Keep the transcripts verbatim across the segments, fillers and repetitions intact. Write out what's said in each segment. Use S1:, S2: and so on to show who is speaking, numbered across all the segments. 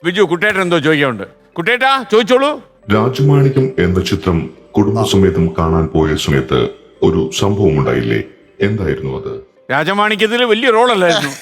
S1: ബിജു കുട്ടേട്ടൻ എന്തോ ചോദിക്കാനുണ്ട്. കുട്ടേട്ടാ ചോദിച്ചോളൂ.
S2: രാജമാണിക്യം എന്ന ചിത്രം കുടുംബസമേതം കാണാൻ പോയ സമയത്ത് ഒരു സംഭവം ഉണ്ടായില്ലേ, എന്തായിരുന്നു അത്?
S1: രാജമാണിക്യത്തിൽ വലിയ റോളല്ലായിരുന്നു.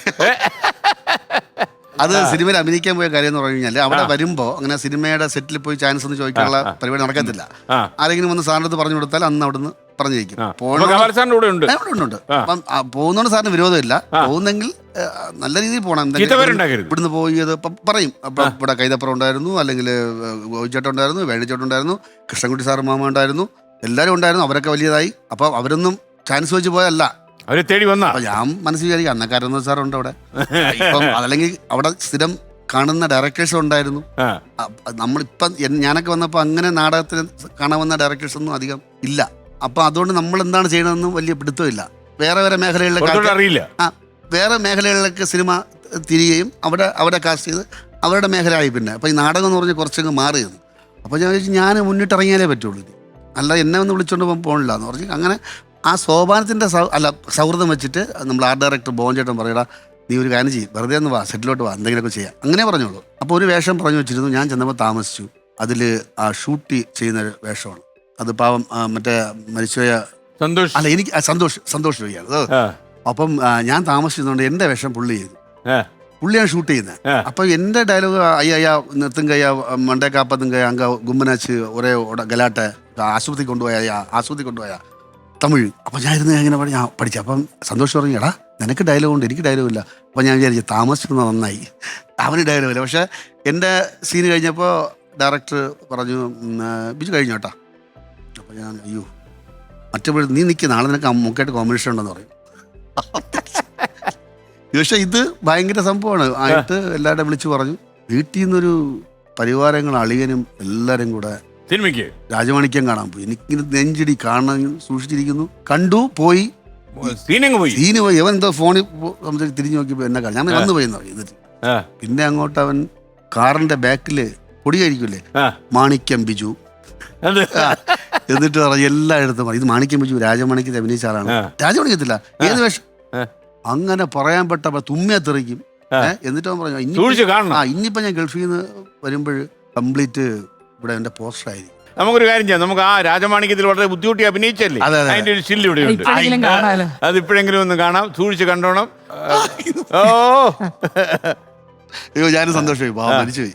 S3: അത് സിനിമയിൽ അഭിനയിക്കാൻ പോയ കാര്യം എന്ന് പറഞ്ഞു കഴിഞ്ഞാൽ അവിടെ വരുമ്പോ അങ്ങനെ സിനിമയുടെ സെറ്റിൽ പോയി ചാൻസ് ഒന്നും ചോദിക്കാനുള്ള പരിപാടി നടക്കത്തില്ല. ആരെങ്കിലും വന്ന് സാറിന് അടുത്ത് പറഞ്ഞു കൊടുത്താൽ അന്ന് അവിടുന്ന് പറഞ്ഞിരിക്കും. ഉണ്ട് അപ്പം പോകുന്നോണ്ട് സാറിന് വിരോധമില്ല. പോകുന്നെങ്കിൽ നല്ല രീതിയിൽ പോകണം. ഇവിടുന്ന് പോയത് പറയും, ഇവിടെ കൈതപ്പുറം ഉണ്ടായിരുന്നു, അല്ലെങ്കിൽ ഗോവിച്ചേട്ടൻ ഉണ്ടായിരുന്നു, വേണിച്ചേട്ടൻ ഉണ്ടായിരുന്നു, കൃഷ്ണൻകുട്ടി സാറ് മാമ ഉണ്ടായിരുന്നു, എല്ലാവരും ഉണ്ടായിരുന്നു. അവരൊക്കെ വലിയതായി. അപ്പൊ അവരൊന്നും ചാൻസ് വെച്ച് പോയല്ല,
S1: അവരെ തേടി വന്ന.
S3: ഞാൻ മനസ്സിൽ വിചാരിക്കും അന്നക്കാരൊന്നും സാറുണ്ട് അവിടെ. ഇപ്പം അതല്ലെങ്കിൽ അവിടെ സ്ഥിരം കാണുന്ന ഡയറക്ടേഴ്സ് ഉണ്ടായിരുന്നു. നമ്മളിപ്പം ഞാനൊക്കെ വന്നപ്പോൾ അങ്ങനെ നാടകത്തിന് കാണാൻ വന്ന ഡയറക്ടേഴ്സ് ഒന്നും അധികം ഇല്ല. അപ്പൊ അതുകൊണ്ട് നമ്മൾ എന്താണ് ചെയ്യണമെന്നും വലിയ പിടുത്തമില്ല. വേറെ വേറെ മേഖലകളിലൊക്കെ അറിയില്ല. ആ വേറെ മേഖലകളിലൊക്കെ സിനിമ തിരികെയും അവിടെ അവിടെ കാസ്റ്റ് ചെയ്ത് അവരുടെ മേഖലയായി. പിന്നെ അപ്പൊ ഈ നാടകം എന്ന് പറഞ്ഞാൽ കുറച്ചങ്ങ് മാറിയത്. അപ്പൊ ഞാൻ ചോദിച്ചു ഞാൻ മുന്നിട്ടിറങ്ങിയാലേ പറ്റുള്ളൂ, അല്ല എന്നെ ഒന്ന് വിളിച്ചോണ്ട് പോകാൻ പോകണില്ല എന്ന് പറഞ്ഞു. അങ്ങനെ ആ സോപാനത്തിൻ്റെ സൗ അല്ല സൗഹൃദം വെച്ചിട്ട് നമ്മൾ ആർട്ട് ഡയറക്ടർ ബോഞ്ചേട്ടൻ പറയടാ നീ ഒരു കാര്യം ചെയ്യും, വെറുതെ ഒന്ന് വാ, സെറ്റിലോട്ട് വാ, എന്തെങ്കിലുമൊക്കെ ചെയ്യാം, അങ്ങനെ പറഞ്ഞോളൂ. അപ്പോൾ ഒരു വേഷം പറഞ്ഞു വെച്ചിരുന്നു. ഞാൻ ചെന്നപ്പോൾ താമസിച്ചു. അതിൽ ആ ഷൂട്ട് ചെയ്യുന്ന ഒരു വേഷമാണ് അത്. പാവം മറ്റേ മരിച്ചുപോയ
S1: സന്തോഷ് അല്ല എനിക്ക്
S3: സന്തോഷ് സന്തോഷ് വയ്യാണ്. അപ്പം ഞാൻ താമസിച്ചതുകൊണ്ട് എൻ്റെ വേഷം പുള്ളി ചെയ്തു. പുള്ളിയാണ് ഷൂട്ട് ചെയ്യുന്നത്. അപ്പൊ എൻ്റെ ഡയലോഗ് അയ്യ അയ്യ നിർത്തും കയ്യ മണ്ടേ കാപ്പത്തും കയ്യ അങ്ക ഗുമ്മനാച്ച് ഒരേ ഗലാട്ടെ ആശുപത്രി കൊണ്ടുപോയ ആശുപത്രി കൊണ്ടുപോയ തമിഴ്. അപ്പം ഞാൻ ഇരുന്ന് ഇങ്ങനെ ഞാൻ പഠിച്ചു. അപ്പം സന്തോഷം പറഞ്ഞു എടാ നിനക്ക് ഡയലോഗ് ഉണ്ട്, എനിക്ക് ഡയലോഗ് ഇല്ല. അപ്പം ഞാൻ വിചാരിച്ചു താമസിച്ചിരുന്ന നന്നായി, അവന് ഡയലോഗ് ഇല്ല. പക്ഷേ എൻ്റെ സീന് കഴിഞ്ഞപ്പോൾ ഡയറക്ടർ പറഞ്ഞു ബിജു കഴിഞ്ഞു കേട്ടോ. അപ്പം ഞാൻ അയ്യോ മറ്റേ നീ നിൽക്കുക, നാളെ നിനക്ക് മുക്കായിട്ട് കോമ്പിനേഷൻ ഉണ്ടെന്ന് പറയും. പക്ഷേ ഇത് ഭയങ്കര സംഭവമാണ്. ആയിട്ട് എല്ലാവരുടെ വിളിച്ചു പറഞ്ഞു. വീട്ടിൽ നിന്നൊരു പരിവാരങ്ങൾ അളിയനും എല്ലാവരും കൂടെ
S1: സിനിമയ്ക്ക്
S3: രാജമാണിക്യം കാണാൻ പോയി. എനിക്കിങ്ങനെ നെഞ്ചിടി കാണാൻ സൂക്ഷിച്ചിരിക്കുന്നു. കണ്ടു പോയി സീന് പോയി. അവൻ എന്തോ ഫോണിൽ തിരിഞ്ഞു നോക്കിയപ്പോ എന്നെ കാണാൻ ഞാൻ വന്നു പോയി എന്നിട്ട് പിന്നെ അങ്ങോട്ട് അവൻ കാറിന്റെ ബാക്കില് പൊടി കഴിക്കൂലേ മാണിക്യം ബിജു എന്നിട്ട് പറഞ്ഞു എല്ലായിടത്തും പറഞ്ഞു ഇത് മാണിക്യം ബിജു രാജമാണിക്യത്തിൽ അഭിനയിച്ച ആളാണ്. രാജമാണിക്യത്തില്ല ഏത് വേഷം അങ്ങനെ പറയാൻ പെട്ടപ്പോ തുമ്മിയെ തെറിക്കും. എന്നിട്ട് അവൻ പറഞ്ഞു ആ ഇനിയിപ്പോ ഞാൻ ഗൾഫിൽ നിന്ന് വരുമ്പോൾ കംപ്ലീറ്റ് ഇവിടെ എന്റെ പോസ്റ്റർ ആയിരിക്കും.
S1: നമുക്കൊരു കാര്യം ചെയ്യാം, നമുക്ക് ആ രാജമാണിക്യത്തിൽ വളരെ ബുദ്ധിമുട്ടി അഭിനയിച്ചല്ലേ, അതിന്റെ ഒരു സ്റ്റിൽ ഇവിടെ ഉണ്ട്. അത് ഇപ്പോഴെങ്കിലും ഒന്ന് കാണാം, സൂക്ഷിച്ച് കണ്ടോണം. ഓ
S3: അയ്യോ ഞാനും സന്തോഷമായി, മരിച്ചുപോയി.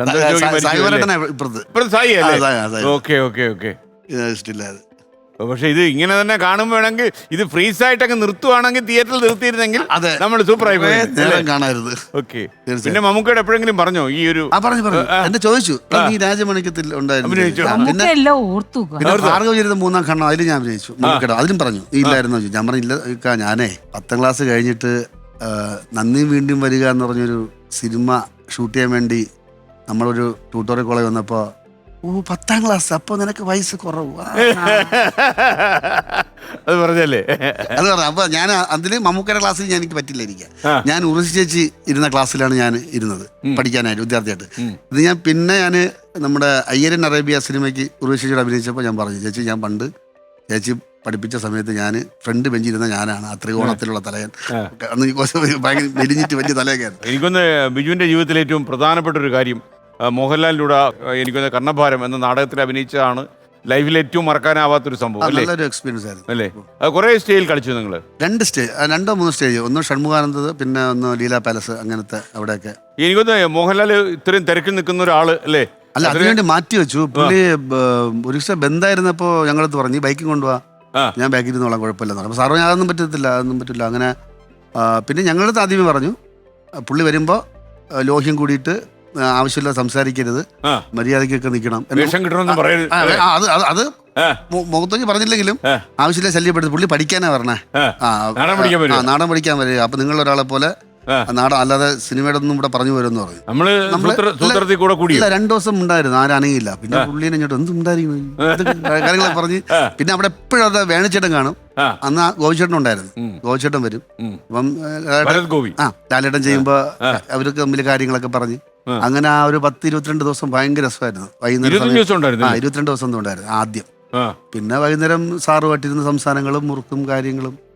S1: സായി അല്ലേ? Okay okay okay. പക്ഷെ ഇത് ഇങ്ങനെ തന്നെ കാണുമ്പോഴെങ്കിൽ ഇത് ഫ്രീസ് ആയിട്ടൊക്കെ നിർത്തുവാണെങ്കിൽ തിയേറ്ററിൽ നിർത്തിയിരുന്നെങ്കിൽ നമ്മൾ സൂപ്പറായി
S3: കാണാറുണ്ട്.
S1: ഓക്കെ. പിന്നെ മമ്മൂക്കയുടെ എപ്പോഴെങ്കിലും പറഞ്ഞോ ഈ ഒരു
S3: പറഞ്ഞു പറഞ്ഞു എന്നെ ചോദിച്ചു ഈ രാജമാണിക്യത്തിൽ ഉണ്ടായിരുന്നു ഭാർഗവചരിതം മൂന്നാം ഖണ്ഡം അതിൽ ഞാൻ അഭിനയിച്ചു. മമ്മൂക്കയുടെ അതിലും പറഞ്ഞു ഇല്ലായിരുന്നു. ഞാൻ പറഞ്ഞില്ല ഞാനേ പത്താം ക്ലാസ് കഴിഞ്ഞിട്ട് നന്ദി വീണ്ടും വരിക എന്ന് പറഞ്ഞൊരു സിനിമ ഷൂട്ട് ചെയ്യാൻ വേണ്ടി നമ്മളൊരു ട്യൂട്ടോറിയൽ കോളേജ് വന്നപ്പോൾ ഓ പത്താം ക്ലാസ് അപ്പൊ നിനക്ക് വയസ്സ് കുറവ്
S1: അത് പറഞ്ഞല്ലേ.
S3: അത് പറഞ്ഞു. അപ്പൊ ഞാൻ അതില് മമ്മൂക്കയുടെ ക്ലാസ്സിൽ ഞാൻ എനിക്ക് പറ്റില്ല ഇരിക്കാൻ. ഞാൻ ഉറുസി ചേച്ചി ഇരുന്ന ക്ലാസ്സിലാണ് ഞാൻ ഇരുന്നത് പഠിക്കാനായിട്ട് വിദ്യാർത്ഥിയായിട്ട്. ഇത് ഞാൻ പിന്നെ ഞാൻ നമ്മുടെ അയ്യരൻ അറേബ്യ സിനിമയ്ക്ക് ഉറുസി ചേച്ചിയോട് അഭിനയിച്ചപ്പോൾ ഞാൻ പറഞ്ഞു ചേച്ചി ഞാൻ പണ്ട് ചേച്ചി പഠിപ്പിച്ച സമയത്ത് ഞാൻ ഫ്രണ്ട് ബെഞ്ചിരുന്ന ഞാനാണ് ആ ത്രികോണത്തിലുള്ള തലയൻ. അന്ന് ഭയങ്കര മെലിഞ്ഞിട്ട് വലിയ തലയൊക്കെയാണ്.
S1: എനിക്കൊന്ന് ബിജുവിന്റെ ജീവിതത്തിലെ ഏറ്റവും പ്രധാനപ്പെട്ട ഒരു കാര്യം മോഹൻലാലിലൂടെ എനിക്കൊന്ന് കർണഭാരം എന്ന നാടകത്തിൽ അഭിനയിച്ചതാണ് ലൈഫിൽ ഏറ്റവും മറക്കാനാവാത്തൊരു സംഭവം.
S3: നല്ലൊരു എക്സ്പീരിയൻസ് ആയിരുന്നു
S1: അല്ലേ? അത് കുറെ സ്റ്റേജിൽ കളിച്ചു നിങ്ങൾ?
S3: രണ്ട് സ്റ്റേജ് രണ്ടോ മൂന്നോ സ്റ്റേജ്. ഒന്ന് ഷൺമുഖാനന്ദ, പിന്നെ ഒന്ന് ലീല പാലസ്, അങ്ങനത്തെ അവിടെയൊക്കെ.
S1: എനിക്കൊന്ന് മോഹൻലാൽ ഇത്രയും തിരക്കിൽ നിൽക്കുന്ന ഒരാള് അല്ലേ?
S3: അല്ല അതിനുവേണ്ടി മാറ്റി വെച്ചു. പുള്ളി ഒരു ദിവസം ബന്ധായിരുന്നപ്പോ ഞങ്ങളടുത്ത് പറഞ്ഞു ബൈക്കിൽ കൊണ്ടുപോവാ, ഞാൻ ബാക്കിൽ ഇരുന്നോളാം കുഴപ്പമില്ലെന്ന് പറഞ്ഞു. അപ്പോൾ സാറോ അതൊന്നും പറ്റത്തില്ല അതൊന്നും പറ്റില്ല. അങ്ങനെ പിന്നെ ഞങ്ങളടുത്ത് ആദ്യമേ പറഞ്ഞു പുള്ളി വരുമ്പോൾ ലോഹ്യം കൂടിയിട്ട് ആവശ്യമില്ല സംസാരിക്കരുത്, മര്യാദക്കൊക്കെ നിൽക്കണം. അത് അത് മുഖത്തേക്ക് പറഞ്ഞില്ലെങ്കിലും ആവശ്യമില്ല ശല്യപ്പെടുത്തി. പുള്ളി പഠിക്കാനാ പറഞ്ഞേ, നാടൻ പഠിക്കാൻ വരിക. അപ്പൊ നിങ്ങളൊരാളെ പോലെ നാടൻ അല്ലാതെ സിനിമയുടെ ഒന്നും ഇവിടെ പറഞ്ഞു വരുമെന്ന് പറഞ്ഞു. ഇല്ല രണ്ടു ദിവസം ഉണ്ടായിരുന്നു, ആരും അനങ്ങിയില്ല. പിന്നെ പുള്ളിനെ ഇങ്ങോട്ട് എന്തും ഉണ്ടായിരിക്കും കാര്യങ്ങളൊക്കെ പറഞ്ഞ്. പിന്നെ അവിടെ എപ്പോഴും അത് വേണിച്ചേട്ടൻ കാണും. അന്ന് ഗോവിച്ചേട്ടൻ ഉണ്ടായിരുന്നു. ഗോവിച്ചേട്ടൻ വരും. അപ്പം ആ ലാലേട്ടൻ ചെയ്യുമ്പോ അവർക്ക് തമ്മിൽ കാര്യങ്ങളൊക്കെ പറഞ്ഞ് അങ്ങനെ ആ ഒരു പത്ത് ഇരുപത്തിരണ്ട് ദിവസം ഭയങ്കര രസമായിരുന്നു. വൈകുന്നേരം ആ ഇരുപത്തിരണ്ട് ദിവസം ഉണ്ടായിരുന്നു ആദ്യം. പിന്നെ വൈകുന്നേരം സാറുമായിട്ടിരുന്ന സംസാരങ്ങളും മുറുക്കും കാര്യങ്ങളും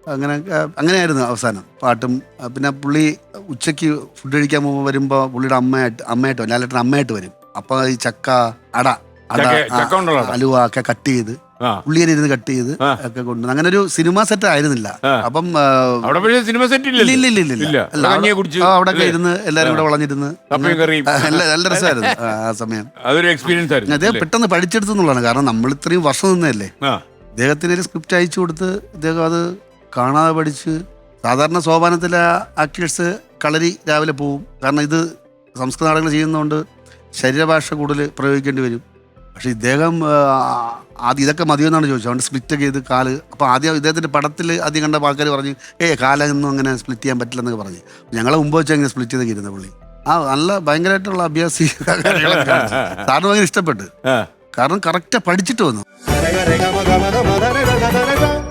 S3: അങ്ങനെ അങ്ങനെയായിരുന്നു അവസാനം പാട്ടും. പിന്നെ പുള്ളി ഉച്ചയ്ക്ക് ഫുഡ് കഴിക്കാൻ പോകുമ്പോൾ വരുമ്പോൾ പുള്ളിയുടെ അമ്മയായിട്ട് അമ്മയായിട്ട് വരും, ലാലേട്ടൻ അമ്മയായിട്ട് വരും. അപ്പോൾ ഈ ചക്ക അട അട അലുവ ഒക്കെ കട്ട് ചെയ്ത് പുള്ളിയെ ഇരുന്ന് കട്ട് ചെയ്ത് ഒക്കെ കൊണ്ടുവന്നു. അങ്ങനെ ഒരു സിനിമ സെറ്റ് ആയിരുന്നില്ല. അപ്പം
S1: സിനിമ സെറ്റ്
S3: അവിടെ ഒക്കെ ഇരുന്ന് എല്ലാരും കൂടെ വളഞ്ഞിരുന്ന് നല്ല രസമായിരുന്നു ആ സമയം.
S1: അതൊരു എക്സ്പീരിയൻസ് ആയിരുന്നു.
S3: അദ്ദേഹം പെട്ടെന്ന് പഠിച്ചെടുത്തു എന്നുള്ളതാണ്. കാരണം നമ്മൾ ഇത്രയും വർഷം നിന്നല്ലേ. അദ്ദേഹത്തിന് ഒരു സ്ക്രിപ്റ്റ് അയച്ചു കൊടുത്ത് ഇദ്ദേഹം അത് കാണാതെ പഠിച്ച്. സാധാരണ സോപാനത്തിലെ ആക്ടേഴ്സ് കളരി രാവിലെ പോവും. കാരണം ഇത് സംസ്കൃത നാടകങ്ങൾ ചെയ്യുന്നതുകൊണ്ട് ശരീരഭാഷ കൂടുതൽ പ്രയോഗിക്കേണ്ടി വരും. പക്ഷെ ഇദ്ദേഹം ആദ്യം ഇതൊക്കെ മതിയെന്നാണ് ചോദിച്ചത്. അതുകൊണ്ട് സ്പ്ലിറ്റൊക്കെ ചെയ്ത് കാല്. അപ്പോൾ ആദ്യം ഇദ്ദേഹത്തിൻ്റെ പടത്തിൽ ആദ്യം കണ്ട ആൾക്കാർ പറഞ്ഞു ഏ കാലൊന്നും അങ്ങനെ സ്പ്ലിറ്റ് ചെയ്യാൻ പറ്റില്ലെന്നൊക്കെ പറഞ്ഞു. ഞങ്ങളെ മുമ്പ് വെച്ചാൽ ഇങ്ങനെ സ്പ്ലിറ്റ് ചെയ്തൊക്കെ ഇരുന്ന പുള്ളി. ആ നല്ല ഭയങ്കരമായിട്ടുള്ള അഭ്യാസി കാര്യങ്ങളൊക്കെ സാറിന് ഭയങ്കര ഇഷ്ടപ്പെട്ടു. കാരണം കറക്റ്റ് പഠിച്ചിട്ട് വന്നു.